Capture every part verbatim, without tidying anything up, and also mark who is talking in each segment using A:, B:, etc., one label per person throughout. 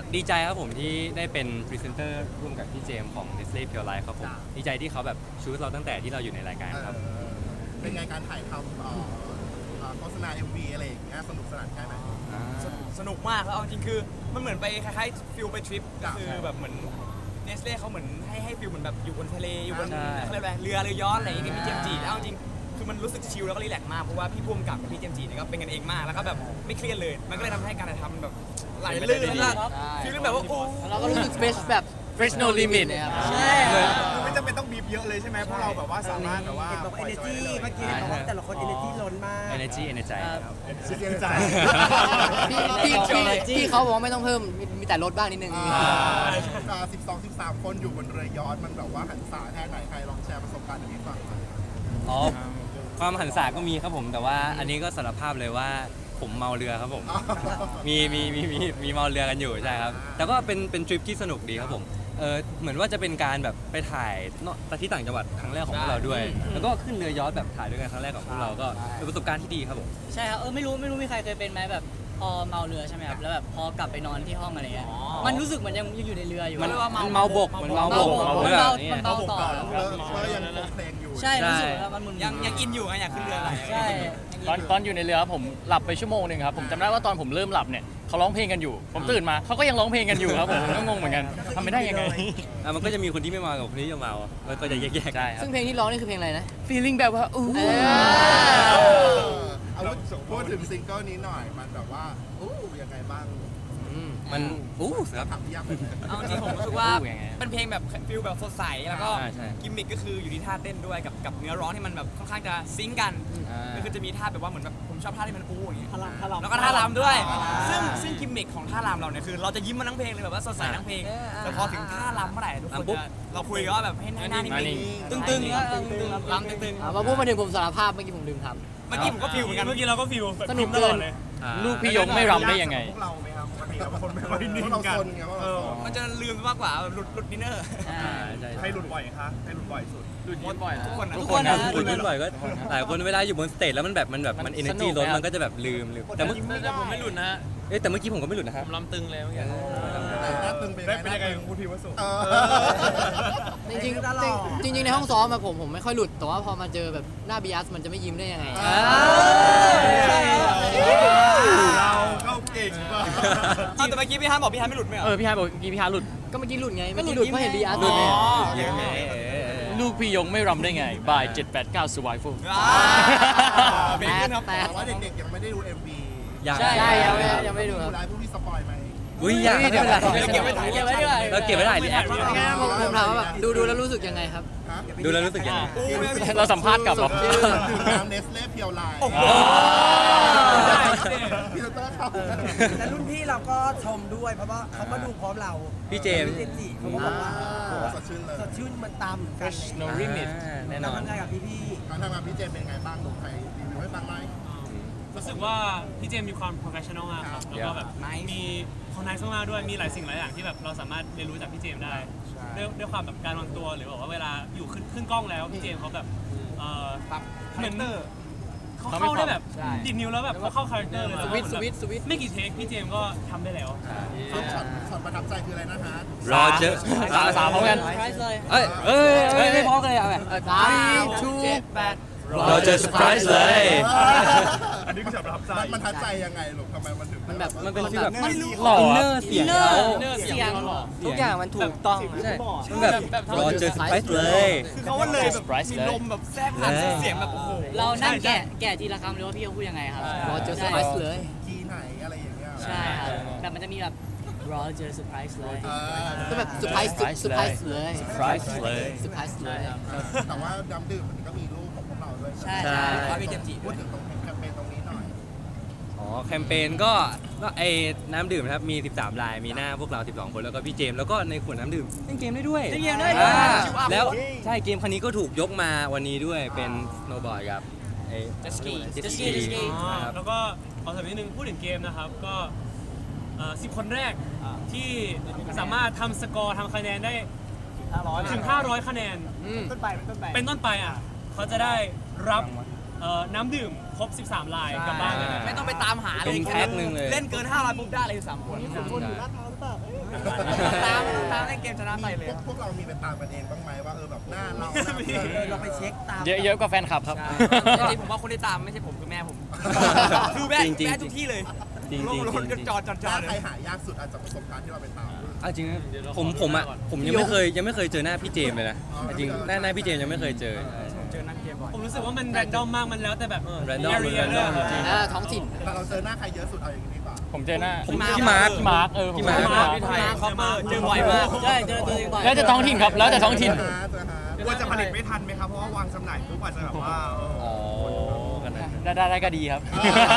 A: ดีใจครับผมที่ได้เป็นพรีเซนเตอร์ร่วมกับพี่เจมส์ของ Nestle Pure Life ครับผมดีใจที่เขาแบบชูเราตั้งแต่ที่เราอยู่ในรายการครับ
B: เออเป็นไงการถ่ายทำเอ่อเอ่อโฆษณา เอ็ม วี อะไรอย่างเงี้ยสนุกสนานแค่ไหน
C: สนุกมากแล้วเอาจริงคือมันเหมือนไปคล้ายๆฟิลไปทริป
B: ครั
C: ก็
B: บ
C: คือแบบเหมือนเนสเล่เขาเหมือนให้ให้ฟิลเหมือนแบบอยู่บนทะเลอยู่บน
A: ใช่
C: เขาเรียกอะไรเรือเรือยอชต์อะไรอย่างเงี้ยกับพี่เจมส์จีแล้วเอาจริงคือมันรู้สึกชิลแล้วก็รีแลกซ์มากเพราะว่าพี่พุ่มกับกับพี่เจมส์จีเนี่ยก็เป็นกันเองมากแล้วก็แบบไม่เครียดเลย มันก็เลยทำให้การถ่ายทำมันแบบไหลลื่นแล้วก็ฟีลแบบว่าโอ้
D: เราก็รู้สึกเฟรชแบบ
A: fresh no limit
D: นะครับ
E: ใช่
F: คือไม่จำเป็นต้องบีบเยอะเลยใช่ไหมเพราะเราแบบว่าสามารถแบบว่า
E: เห็นบอกว่า energy เมื่อกี้เห็นบอกว่าแต่ละคน energy ล้นมาก
A: energy energy ครับ
F: เสียใจ
D: พี่พี่พี่พี่เขาบอกว่าไม่ต้องเพิ่มมีมีแต่ลดบ้างนิดนึง
B: สิบสองสิบสามคนอยู่บนเรือยอชต์มันแบบว่าหันษาแค่ไหนใครลองแชร์ประสบการณ์ให้ฟังหน่อย
A: อ๋อความหันษาก็มีครับผมแต่ว่าอันนี้ก็สารภาพเลยว่าผมเมาเรือครับผม มีมีมีมีมีเมาเรือกันอยู่ใช่ครับแต่ก็เป็นเป็นทริปที่สนุกดีครับผมเออเหมือนว่าจะเป็นการแบบไปถ่ายเนอะที่ต่างจังหวัดครั้งแรกของพวกเราด้วย แล้วก็ขึ้นเรือยอชต์แบบถ่ายด้วยกันครั้งแรกของพวกเราก็เป็นประสบการณ์ที่ดีครับผม
G: ใช่ครับเออไม่รู้ไม่รู้มีใครเคยเป็นไหมแบบพอเมาเรือใช่ไหมครับแล้วแบบพอกลับไปนอนที่ห้องอะไรเงี้ยมันรู้สึกเหมือนยังยังอยู่ในเรืออยู่
A: มัน
G: เรียกว่า
A: มันเมาบกมันเมาบก
G: เมา
A: เรือ
G: เมา
A: เนี่ย
G: มันเมาต่อ
B: เออเออยังคงเพลงอยู่
G: ใช่รู้สึกว่ามันมึนๆ
C: ยังยังอินอยู่ไงอยากขึ้นเรือไหล
G: ใช่
H: ตอนตอนอยู่ในเรือผมหลับไปชั่วโมงหนึ่งครับผมจำได้ว่าตอนผมเริ่มหลับเนี่ยเขาร้องเพลงกันอยู่ ผมตื่นมาเขาก็ยังร้องเพลงกันอยู่ครับผมผมก็งงเหมือนกันทำไม่ได้ยังไง
A: อ่ะมันก็จะมีคนที่ไม่เมากับคนที่จะเมาแล้วก็จะแยกๆ
H: ใช่ครับ
D: ซึ่งเพลงที่ร้องนี่คือเพลงอะไรนะ
H: feeling แบบว่าอู้
D: เอ
B: เอ
D: อ
B: อเอาพูดถึงซิงเกิลนี้หน่อยมันแบบว่าอู้ยังไงบ้าง
A: อืมมันอู้ครับ
B: ถามพี่ยักษ์เลย
C: เอาจริงผมรู้สึกว่า
H: อู้ยังไง
C: เป็นเพลงแบบฟิลแบบสดใสแล้วก็
A: ใช่ใช่
C: กิมมิคก็คืออยู่ที่ท่าเต้นด้วยกับกับเนื้อร้องที่มันแบบค่อนข้างจะซิงก์กัน
A: อ่า
C: ก็คือจะมีท่าแบบว่าเหมือนแบบผมชอบท่าที่มันอู้อย่างเงี้ย
E: ท่ารำท่ารำ
C: แล้วก็ท่ารำด้วย ซึ่งซึ่งกิมมิคของท่ารำเราเนี่ยคือเราจะยิ้มมาทั้งเพลงเลยแบบว่าสดใสทั้งเพลง แต่พอถึงท่ารำเมื่อไหร่ทุกคน
A: รำปุ๊บ
C: จะเราคุยกันว่าแบบให้หน้านิ่
H: หน้านิ่
C: ง
H: ง
C: ๆตึงๆแล้วตึงๆรำตึง
D: อ่ะมาพูดมาถึงผมสารภาพเมื่อกี้ผมลืมท
C: ๆเมื่อกี้ผมก็ฟิลเหมือนกัน
F: เมื่อกี้เราก็ฟิล
D: สนุกเกิน
A: อ่า
H: ลูกพี่ยงไม่รำได้ยังไง
F: พวกเราไหมครับปกติเราเป็นคนไม่ค่อยนิ่ง
B: เพราะเรา
F: กัน
B: ซนไงเพราะเราซน
C: มันจะลืมมากกว่าแบบหลุดหลุดดินเนอร์
A: อ่าใช่
F: ใครหลุดบ่อยคะใครหลุดบ่อยสุด
H: หลุดยิ้มบ่อย
C: ทุกคนนะ
A: ทุกคนนะคุยกันบ่อยก็หลายคนเวลาอยู่บนสเตจแล้วมันแบบมันแบบมัน
H: มัน
A: เอเนอร์
H: สนุ
A: จี
H: ก
A: ล้น
H: ไหมครับ
A: มันก็จะแบบลืมลืมแต่เมื่อ
H: แต่ผมไม่หลุดนะ
A: เอ้ยแต่เมื่อกี้ผมก็ไม่หลุดนะครับ
H: ผมลำตึงเลยเมื่อกี้
B: แต่หน้าตึงเป็น
F: ได้
B: ไง
F: เป็นยังไงของคุณพีวสุ
B: เออ
D: ำจริงๆจริงจริงๆในห้องซ้อมอะผมผมไม่ค่อยหลุด แต่ว่าพอมาเจอแบบหน้าบีอัสมันจะไม่ยิ้มได้ยังไง
B: อ่า
F: เราก็เก่งป่ะ
C: เอาแต่เมื่อกี้พี่ฮันบอกพี่ฮันไม่หลุดไหมเหร
H: เอ
C: อ
H: อพี่ฮายบอกเมื่อกี้พี่ฮายหลุด
D: ก็เมื่อกี้หลุดไง เมื่อกี้หลุดเพราะเห็นบีอัส
C: อ๋อ
D: เนี่ย
C: โอเค
H: ลูกพี่ยงไม่รำได้ไง by เจ็ดแปดเก้า survival
C: อ่าเบรกขึ้นครับ
D: แต่
B: แต่ว่าเด็กๆยังไม่ได้ดู เอ็ม วี
A: อยาก
D: ใช่ยังไม่ยังไม่ดูครับ
B: ดูไลฟ์พวกพี่สปอยไหม
A: อุ้ยอยาก
D: เดี๋ยว
A: ไม่เป็นไร
C: เก็บไว้ถ่ายเก็บไว้ด้วย
A: เราเก็บไว้ถ่ายรีแอค
D: งั้นผมผมถามว่าแบบดูดูแล้วรู้สึกยังไงครับ
B: ฮะ
A: ดูแล้วรู้สึกยังไง
H: เราสัมภาษณ์กลับเหรอ
D: ชื่อ
B: ดื่มน้ำเนสเล่เพียวไลน์
C: โอ้โห
B: พี่เตอร์เข้า
E: แต่รุ่นพี่เราก็ชมด้วยเพราะว่าเขามาดูพร้อมเรา
A: พี่เจมส์
E: พี่เจมส์จิเขาก็บอกว่า
B: โอ้โหสดชื่นเลย
E: สดชื่นมันตามเหมือนกัน
H: fresh no limit
A: อ่าแน่น
E: เรา
A: อน
E: ทำงานกับพี่พี่
B: การทำงานพี่เจมส์เป็นไงบ้างดูใครรีวิวให้ฟังไหม
I: รู้สึกว่าพี่เจมส์มีความ professional มากครับ แล้วก็แบบมีเขาไนซ์มากๆด้วย มีหลายสิ่งหลายอย่างที่แบบเราสามารถเรียนรู้จากพี่เจมส์ได้ ด้วยด้วยความแบบการวางตัวหรือแบบว่าเวลาอยู่ขึ้นขึ้นกล้องแล้วพี่เจมส์เขาแบบเอ่อเหมือนเขาเข้าได้แบบดิดนิ้วแล้วแบบเขาเข้าคาแรคเตอร์เลย
D: สวิตช์สวิตช์สวิตช์
I: ไม่กี่เทคพี่เจมส์ก็ทำได้แล้ว
B: ซึ่งช็อตช็อตประทับใจคืออะไรนะฮะ
A: รอเจอ
H: สามสามพร้อมกัน
G: ไพรส์เลย
A: เอ้ยเอ้ยเอ้ยไม่พร้อมกันเลยเอาไหม
D: สามชู
A: รอเจอเซอร์ไพรส์เลย
F: อันนี้คือฉากประทับใจ
B: มันมันทัดใจยังไงลูกทำไมมันถึง
D: มันแบบ
A: มันเป็นฟีลแบบ
H: มันหล่อ
A: อินเน
H: อะ
A: อร์เสียง
G: เนอ
A: เขา
G: ร์เสียง
D: ทุกอย่างมันถูกต้อง
A: ใช่มันแบบรอเจอเซอร์ไพรส์เลย
C: คือเขาว่าเลยแบบ
H: surprise
C: มี
H: เลย
C: ลมแบบแทรกผ่านเสียงแบบโอ้โห
G: เรานั่งแกะแกะทีละคำเลยว่าพี่เขาพูดยังไงครับ
D: รอเจอเซอร์ไพรส์เลย
B: ทีไหนอะไรอย่างเงี้ย
G: ใช่ครับแต่มันจะมีแบบรอเจอเซอร์ไพรส์เลย
B: เออ
D: ก็แบบเซอร์ไพรส์เซอร์ไพรส์เลย
H: surprise เลย
D: เซอร์ไพรส์เลย
B: แต่ว่าดำดื่มมันก็มีรูปของพวกเราด้วย
G: ใช่
A: ใช่
G: ใช่
C: ว่าพี่เจมส์จิ
B: พูดถึงตรงแคมเปญตรงนี้หน่อย
A: อ๋อแคมเปญก็ก็ไอ้น้ำดื่มนะครับมี สิบสาม ลายมีหน้าพวกเรา สิบสอง คนแล้วก็พี่เจมส์แล้วก็ในขวดน้ำดื่มเล่นเกมได้ด้วย
C: เล่นเกมได้ด้วย
A: อ่า
C: ชิวอัพ
A: แล้วใช่เกมคันนี้ก็ถูกยกมาวันนี้ด้วยเป็นสโนว์บอร์ดกับไอ้
C: Jet ski
A: Jet
G: Jet
A: ski
G: ski Jet ski
I: อ๋อ
A: ครับ
I: แล้วก็ขอเสริมนิดนึงพูดถึงเกมนะครับก็สิบคนแรกที่สามารถทำสกอร์ทำคะแนนได้ถึง ห้าร้อย คะแนน
D: อืม
E: ต้นไปต้นไป
I: เป็นต้นไปอ่ะเขาจะได้รับเอ่อน้ำดื่มครบ สิบสาม ลายกลับบ้านเลยนะ
C: ไม่ต้องไปตามหาเลย
A: เป็นแพ็คหนึ่งเลย
C: เล่นเกินห้าร้อยปุ๊บได้เลยสามคน
E: คนอยู่ลาดพร้าวหรือเปล่า
C: ตามตามในเกมชนะไปเลย
B: พวกพวกเรามีไปตามกันเองบ้างไหมว่าเออแบบหน้าเรา
E: เออเราไปเช็คตาม
H: เยอะเยอะกว่าแฟนคลับครับ
C: จริงๆผมว่าคนที่ตามไม่ใช่ผมคือแม่ผม คือแม่
A: จริงๆ
C: แม่ทุกที่เลย
A: จริงๆ
C: ลงรถ
A: จริงๆ
C: จอดจอดจอด
B: ใครหายากสุดอาจจะประสบการณ์ที่เราไปตาม
A: เอาจริงนะผมผมอ่ะผมยังไม่เคยยังไม่เคยเจอหน้าพี่เจมส์เลยนะจริงหน้าหน้าพี่เจมส์ยังไม่เคยเจอ
C: เจอนั่งเกมบ่อย
I: ผมรู้สึกว่ามันแรนดอมมากมันแล้วแต่แบบ
A: random
I: เอเรียด้วย
A: random จริง
D: อ่าท้องถิ่น
B: แต่เราเจอหน้าใครเยอะสุดเอาอย่างนี้ดีกว่า
H: ผมเจอหน้า
A: ผมพี่มาร์ค
H: พี่มาร์คเออผม
A: พี่
H: เจ
A: มาร์
H: อ
A: ค
H: พี่มาร์ค
C: ไทยคอปเปอร์เจอบ่อยมาก
G: ใช่เจอตัวเองบ่อย
H: แล้วแต่ท้องถิ่นครับ แล้วแต่ท้องถิ่น
B: เจอหาเจอหา
F: กลัวจะผลิตไม่ทันไหมครับ เพราะว่าวางจำหน่ายปุ๊บอาจจะแบบว่าเออ
A: อ๋อกันนะ
H: ได้ได้ได้ก็ดีครับ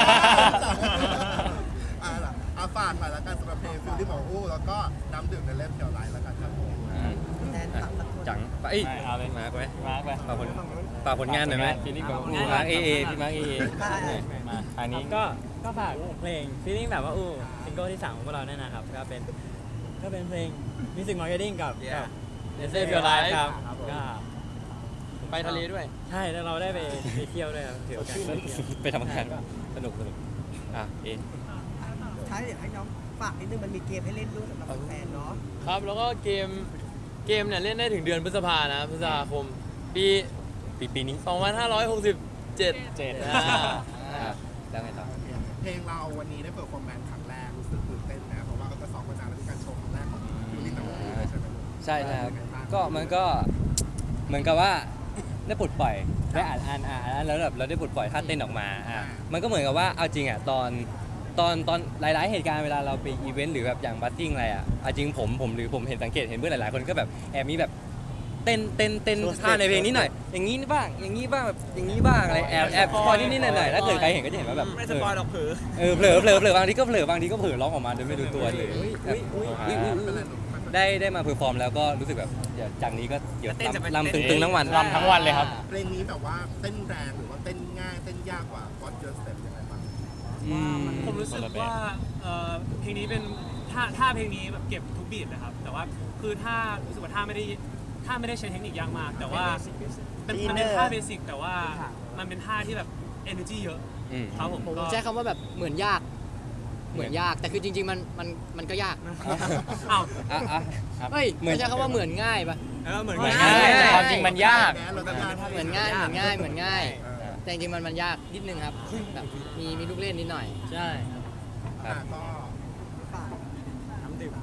B: อ่าล่ะอาฝากหน่อยละกันสำหรับเพลงฟิลลิ่งของอู้แล้วก็น้ำดื่มในเล่มเทียวไลท์ละกันครับผม
E: แทนฝากสักคน
A: จังไปเอ้ย
H: ได้เอาเลย
A: มาร์คไว้
H: มาร์คไป
A: ฝากผลฝากผลงานหน่อยไหม
H: ฟีลลิ่งแบบ
A: พี่มาร์คเอเอพี่มาร์คเอเอ
H: มาอันนี้
J: ก็ก็ฝากเพลง feeling แบบว่าอู้ซิงเกิลที่สามของพวกเราเนี่ยนะครับ ก็เป็นก็เป็นเพลง music marketing กับกับ Let's Save Your Life ครับก็
H: ไปทะเลด้วย
J: ใช่แล้วเราได้ไปไปเที่ยวด้วยครับถือโอกาสไปเที่ยว
A: ไปทำงานสนุกสนุกอ่ะเอ
E: ท้ายเดี๋ยวให้น้องฝากนิดนึงมันมีเกมให้เล่นด้วยสำหรับแฟนๆเนาะ
J: ครับ แล้วก็เกมเกมเนี่ยเล่นได้ถึงเดือนพฤษภานะพฤษภาคม ปี
A: ปีปีนี้
J: สองพันห้าร้อยหกสิบเจ็ด
H: เจ็ด
J: อ่า
A: อ่ะแล้วไงต่อ
B: เพลงเราวันนี้ได้เปิดฟอร์แมนครั้งแรกรู้สึกตื่นเต้นนะเพราะว่าก็สองวันนานแล้วที่การโชว์ครั้งแรกของฟิลลิ่งของอู้ใช่ไหม
A: ใช่ใช่ครับก็มันก็เหมือนกับว่าได้ปลดปล่อยได้อ่านอ่านอ่านอ่านแล้วแบบเราได้ปลดปล่อยท่าเต้นออกมาอ่ะมันก็เหมือนกับว่าเอาจริงอ่ะตอนตอนตอนหลาย ๆ เหตุการณ์เวลาเราไปอีเวนต์หรือแบบอย่างบัสติ้งอะไรอ่ะเอาจริงผมผมหรือผมเห็นสังเกตเห็นเพื่อนหลาย ๆ คนก็แบบแอบมีแบบเต้นเต้นเต้นท่าในเพลงนี้หน่อย อย่างนี้บ้างอย่างนี้บ้างแบบอย่างนี้บ้างอะไรแอบแอบสปอยนิดๆหน่อยๆถ้าเกิดใครเห็นก็จะเห็นว่าแบบ
C: ไม่สปอยหรอกเผลอ
A: เออเผลอเผลอเผลอบางทีก็เผลอบางทีก็เผลอร้องออกมาโดยไม่รู้ตัวเลยแบบได้ได้มาเพอร์ฟอร์มแล้วก็รู้สึกแบบเดี๋ยวจากนี้ก็เดี๋ยวลำตึงๆทั้งวัน
H: รำทั้งวันเลยครับ
B: เพลงนี้แบบว่าเต้นแรงหรือว่าเต้นง่ายเต้นยากกว่า What Your Step ยังไงบ้าง
A: อืม
I: ผมรู้สึกว่าเอ่อเพลงนี้เป็นท่าท่าเพลงนี้แบบเก็บทุกบีทนะครับ แต่ว่าคือท่ารู้สึกว่าท่าไม่ได้ท่าไม่ได้ใช้เทคนิคยากมาก แต่ว่าเป็นมันเป็นท่าเบสิกแต่ว่ามันเป็นท่าที่แบบ energy เยอะ
A: อืม
I: ครับผม
D: ผม
I: ก็
D: ใช้คำว่าแบบเหมือนยาก เหมือนยากแต่คือจริง ๆ มันมันมันก็ยาก
I: อ้าว
A: อ่ะอ่ะ
D: เฮ้ยไม่ใช่คำว่าเหมือนง่ายปะ
C: เออเหมือน
H: เหมือน
C: ง่า
H: ง่าย
C: ย
H: แต่ความจริงมันยาก
B: เราจะงาน
D: เหมือนง่ายเหมือนง่ายเหมือนง่าย แต่จริงๆมันมันยากนิดนึงครับแบบมีมีลูกเล่นนิดหน่อย
G: ใช่
B: อ่ะก็
E: ฝาก
C: น้ำดื่ม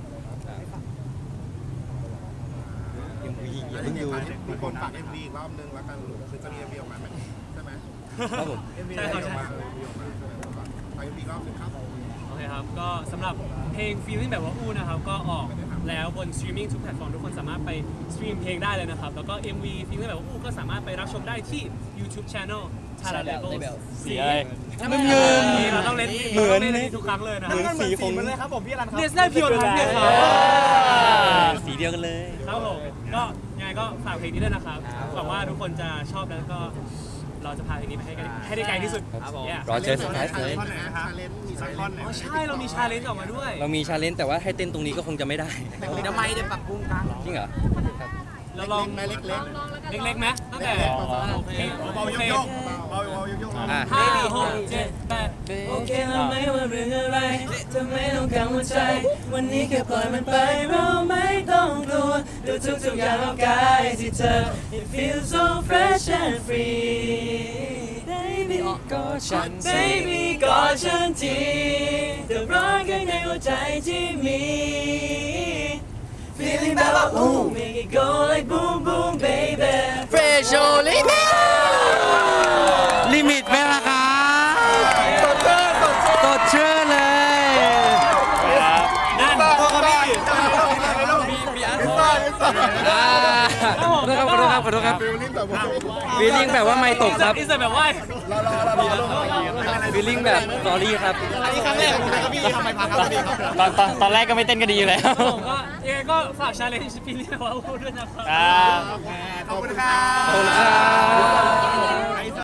A: ยังมีอย่า
B: แล้ว
A: เพิ่ง
B: เนี่ย
A: ดู
B: ฝากมีคนฝาก เอ็ม วี อีกรอบนึงแล้วกันหรือคือจะมี เอ็ม วี ออกมาไหมใช่ไหม
A: ครับผม
B: เอ็ม วี ออกมา เอ็ม วี ออกมาใช่ไหมฝาก เอ็ม วี อีกรอบนึงครับ
I: โอเคครับ ก็สำหรับเพลง feeling แบบว่าอู้นะครับ ก็ออกแล้วบนสตรีมมิ่งทุกแพลตฟอร์มทุกคนสามารถไปสตรีมเพลงได้เลยนะครับ แล้วก็ เอ็ม วี feeling แบบว่าอู้ก็สามารถไปรับชมได้ที่ YouTube Channel Tara Label
H: สีอะไร
A: มึงเงิน
I: นี่เราต้องเล่น
A: เหมือน
I: ราต้ล่ทุกครั้งเลยนะ
A: เหมือนสีของ
C: มันเลยครับผมพี่อรันครับ
I: เนสได้พิวทันเนี่ยครับ
A: สีเดียวกันเลย
I: ครับผมก็ยังไงก็ฝากเพลงนี้ด้วยนะครับหวังว่าทุกคนจะชอบแล้วก็เราจะพาเพลงนี้ไปให้กันให้ได้ไกลที่สุด
C: ครับผม
I: Yeah
A: รอเจอสุดท้ายเลย
B: ท่อนไหนนะชาเลนจ์มีชาเลนจ์
I: อ๋อใช่เรามีชาเลนจ์ออกมาด้วย
A: เรามีชาเลนจ์แต่ว่าให้เต้นตรงนี้ก็คงจะไม่ได้
C: เดี๋ยวไม่จะปรับปรุงกัน
A: จริงเหรอ
I: เราลอง
B: ไหมเล็กๆ
I: เล็กๆไหมตั้งแต่
B: โอเค
F: เบาๆโยกๆเบาๆโยกๆ
A: อ่ะ
I: ห้าหกเจ็ดแปด
G: โอเคเราไม่ว่าเรื่องอะไรเธอไม่ต้องกังวลใจ วันนี้แค่ปล่อยมันไปเราไม่ต้องกลัวดูทุกทุกๆอย่างรอบกายที่เธอ It feels so fresh and free Baby กอดฉัน Baby กอดฉันทีเธอร้อนข้างในหัวใจที่มี Feeling แบบว่า ooh Make it go like boom boom baby
D: Fresh only
A: ลิมิตไหมล่ะครับกดเชื่อเลย
I: นั่น
F: ขอโทษครับพี่
A: ขอโทษครับขอโทษครับขอโทษครับ
B: ฟิลลิ่งแบบว่า
A: ฟีลลิ่งแบบว่าไม่ตกครับ
I: อินเสิร์ตแบบว่า
B: รอรอรอรอรอ
A: ฟีลลิ่งแบบสอรี่ครับ
F: อันนี้ครั้งแรกของคุณนะครับพี่ทำไมพังครับพี่ครับ
H: ตอนตอนตอนแรกก็ไม่เต้นก็ดีอยู่แล้ว
I: ผมก็ยังไงก็ฝากชาเลนจ์ฟีลลิ่งแบบว่าอู้ด้วยนะครับ
H: อ่า
F: ขอบคุณครับ
A: ขอบคุณครับ